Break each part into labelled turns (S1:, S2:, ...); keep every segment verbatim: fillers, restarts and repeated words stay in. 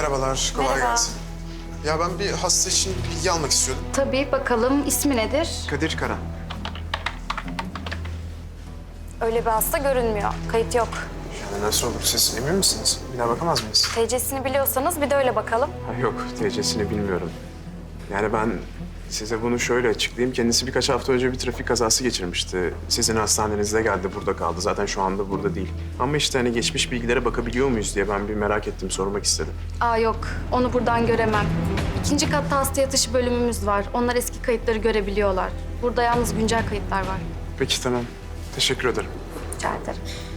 S1: Merhabalar, kolay
S2: Merhaba.
S1: gelsin. Ya ben bir hasta için bilgi almak istiyordum.
S2: Tabii, bakalım ismi nedir?
S1: Kadir Karan.
S2: Öyle bir hasta görünmüyor. Kayıt yok.
S1: Yani nasıl olur? Siz emin misiniz? Bir daha bakamaz mıyız?
S2: T C'sini biliyorsanız bir de öyle bakalım.
S1: Ha, yok, T C'sini bilmiyorum. Yani ben size bunu şöyle açıklayayım. Kendisi birkaç hafta önce bir trafik kazası geçirmişti. Sizin hastanenizde geldi, burada kaldı. Zaten şu anda burada değil. Ama işte hani geçmiş bilgilere bakabiliyor muyuz diye ben bir merak ettim, sormak istedim.
S2: Aa yok, onu buradan göremem. İkinci katta hasta yatışı bölümümüz var. Onlar eski kayıtları görebiliyorlar. Burada yalnız güncel kayıtlar var.
S1: Peki, tamam. Teşekkür ederim.
S2: Rica ederim.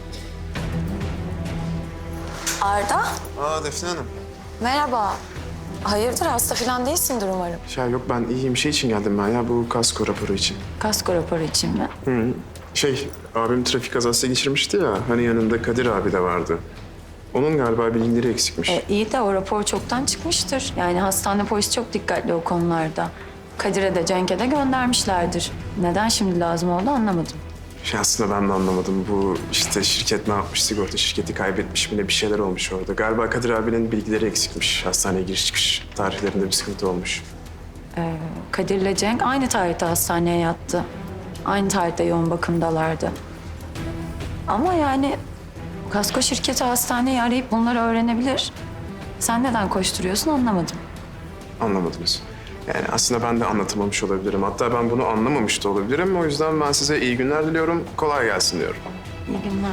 S3: Arda,
S1: Aa, Defne Hanım.
S3: merhaba. Hayırdır, hasta falan değilsindir umarım.
S1: Ya yok, ben iyiyim. Şey için geldim ben ya, bu kasko raporu için.
S3: Kasko raporu için mi?
S1: Hı. Şey, abim trafik kazası geçirmişti ya, hani yanında Kadir abi de vardı. Onun galiba bilgileri eksikmiş.
S3: E, iyi de o rapor çoktan çıkmıştır. Yani hastane polisi çok dikkatli o konularda. Kadir'e de Cenk'e de göndermişlerdir. Neden şimdi lazım oldu anlamadım.
S1: Şey, aslında ben de anlamadım. Bu işte şirket ne yapmış, sigorta şirketi kaybetmiş mi ne, bir şeyler olmuş orada. Galiba Kadir abinin bilgileri eksikmiş. Hastaneye giriş çıkış tarihlerinde bir sıkıntı olmuş.
S3: Kadir'le Cenk aynı tarihte hastaneye yattı. Aynı tarihte yoğun bakımdalardı. Ama yani kasko şirketi hastaneyi arayıp bunları öğrenebilir. Sen neden koşturuyorsun anlamadım.
S1: Anlamadınız. Yani aslında ben de anlatamamış olabilirim. Hatta ben bunu anlamamış da olabilirim. O yüzden ben size iyi günler diliyorum. Kolay gelsin diyorum.
S3: İyi günler.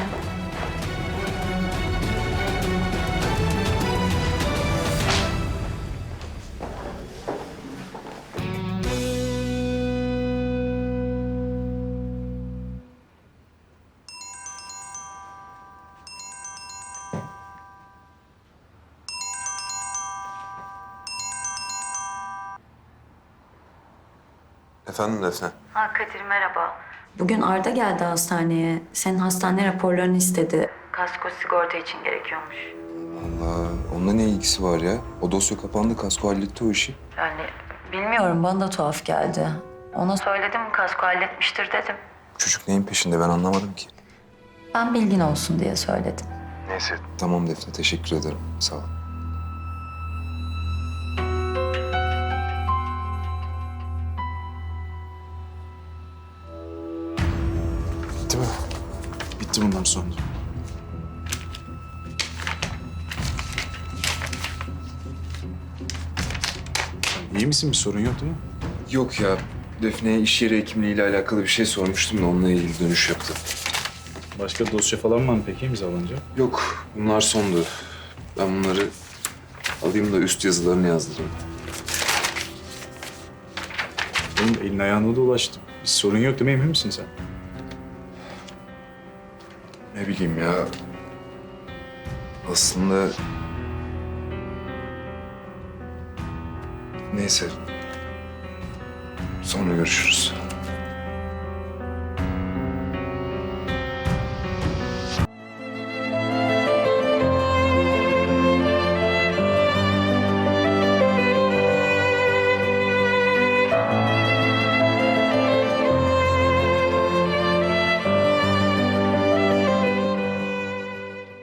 S4: Efendim Defne?
S3: Ha Kadir merhaba. Bugün Arda geldi hastaneye. Senin hastane raporlarını istedi. Kasko sigorta için gerekiyormuş.
S4: Allah, onunla ne ilgisi var ya? O dosya kapandı, kasko halletti o işi.
S3: Yani bilmiyorum bana da tuhaf geldi. Ona söyledim kasko halletmiştir dedim.
S4: Çocuk neyin peşinde ben anlamadım ki.
S3: Ben bilgin olsun diye söyledim.
S4: Neyse. Tamam Defne, teşekkür ederim. Sağ ol.
S1: Bitti mi?
S5: Bitti bundan sonra. İyi misin? Bir sorun yok değil mi?
S4: Yok ya, Defne'ye iş yeri hekimliğiyle alakalı bir şey sormuştum da onunla ilgili dönüş yaptı.
S5: Başka dosya falan var mı peki imzalanacak?
S4: Yok, bunlar sondu. Ben bunları alayım da üst yazılarını yazdırayım.
S5: Benim elin ayağına dolaştı. Bir sorun yok değil mi? Emin misin sen?
S4: Ne bileyim ya. Aslında... Neyse. Sonra görüşürüz.